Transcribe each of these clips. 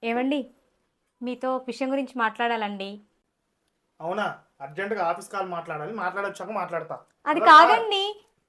ఏవండి, మీతో ఒక విషయం గురించి మాట్లాడాలండి. అవునా? అర్జెంటుగా ఆఫీస్ కాల్ మాట్లాడాలి. మాట్లాడొచ్చాక మాట్లాడతా. అది హలో సార్, కాదండి.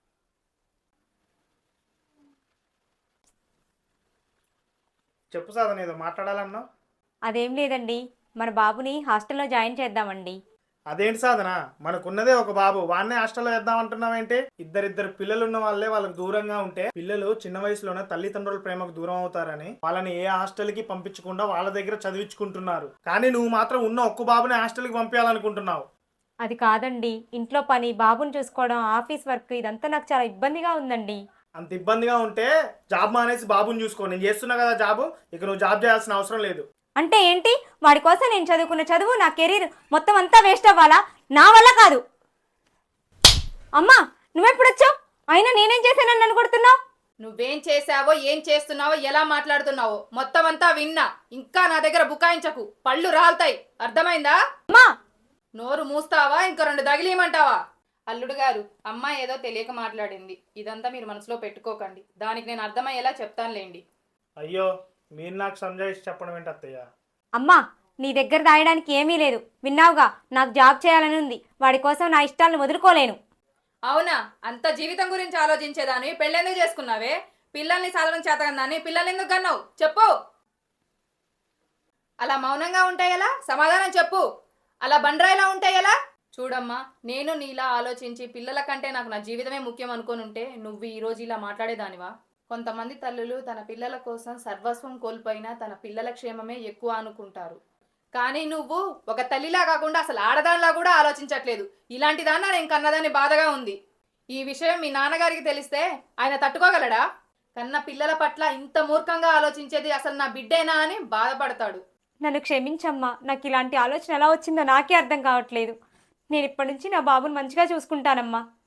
చెప్పు సాధన, ఏదో మాట్లాడాలన్నావు. అదేం లేదండి. మన బాబుని హాస్టల్లో జాయిన్ చేద్దామండి. అదేంటి సాధన, మనకున్నదే ఒక బాబు, వాడినే హాస్టల్లో వేద్దాం అంటున్నావేంటి? ఇద్దరిద్దరు పిల్లలు ఉన్న వాళ్ళే వాళ్ళకి దూరంగా ఉంటే పిల్లలు చిన్న వయసులోనే తల్లిదండ్రుల ప్రేమకు దూరం అవుతారని వాళ్ళని ఏ హాస్టల్కి పంపించకుండా వాళ్ళ దగ్గర చదివించుకుంటున్నారు. కానీ నువ్వు మాత్రం ఉన్న ఒక్క బాబుని హాస్టల్కి పంపించాలనుకుంటున్నావు. అది కాదండి. ఇంట్లో పని, బాబుని చూసుకోవడం, ఆఫీస్ వర్క్ ఇదంతా నాకు చాలా ఇబ్బందిగా ఉందండి. అంత ఇబ్బందిగా ఉంటే జాబ్ మానేసి బాబుని చూసుకో. నేను చేస్తున్నా కదా జాబు, ఇక నువ్వు జాబ్ చేయాల్సిన అవసరం లేదు. అంటే ఏంటి? వాడి కోసం నేను చదువుకున్న చదువు, నా కెరీర్ మొత్తం అంతా వేస్ట్ అవ్వాలా? నా వల్ల కాదు. అమ్మా, నువ్వెప్పుడొచ్చావు? అయినా నేనేం చేశానని నన్ను కొడుతున్నావు? నువ్వేం చేసావో ఏం చేస్తున్నావో ఎలా మాట్లాడుతున్నావో మొత్తం అంతా విన్నా. ఇంకా నా దగ్గర బుకాయించకు, పళ్ళు రాలుతాయి. అర్థమైందా? అమ్మా, నోరు మూస్తావా ఇంకా రెండు తగిలియమంటావా? అల్లుడు గారు, అమ్మాయి ఏదో తెలియక మాట్లాడింది. ఇదంతా మీరు మనసులో పెట్టుకోకండి. దానికి నేను అర్థమయ్యేలా చెప్తానులేండి. అయ్యో, మీరు నాకు సంజాయిషి చెప్పడం ఏంటి అత్తయ్య? అమ్మా, నీ దగ్గర దాయడానికి ఏమీ లేదు. విన్నావుగా, నాకు జాబ్ చేయాలని ఉంది. వాడి కోసం నా ఇష్టాలను వదులుకోలేను. అవునా? అంత జీవితం గురించి ఆలోచించేదాన్ని పెళ్ళెందుకు చేసుకున్నావే? పిల్లల్ని సాధనం చేతకందాన్ని పిల్లల్ని ఎందుకు కన్నావు చెప్పు. అలా మౌనంగా ఉంటే ఎలా? సమాధానం చెప్పు. అలా బండరాయిలా ఉంటే ఎలా? చూడమ్మా, నేను నీలా ఆలోచించి పిల్లల కంటే నాకు నా జీవితమే ముఖ్యం అనుకోనుంటే నువ్వు ఈరోజు ఇలా మాట్లాడేదానివా? కొంతమంది తల్లులు తన పిల్లల కోసం సర్వస్వం కోల్పోయినా తన పిల్లల క్షేమమే ఎక్కువ అనుకుంటారు. కానీ నువ్వు ఒక తల్లిలా కాకుండా అసలు ఆడదానిలా కూడా ఆలోచించట్లేదు. ఇలాంటి దాన్న నేను కన్నదాన్ని బాధగా ఉంది. ఈ విషయం మీ నాన్నగారికి తెలిస్తే ఆయన తట్టుకోగలడా? కన్న పిల్లల పట్ల ఇంత మూర్ఖంగా ఆలోచించేది అసలు నా బిడ్డేనా అని బాధపడతాడు. నన్ను క్షమించమ్మా. నాకు ఇలాంటి ఆలోచన ఎలా వచ్చిందో నాకే అర్థం కావట్లేదు. నేను ఇప్పటి నుంచి నా బాబుని మంచిగా చూసుకుంటానమ్మా.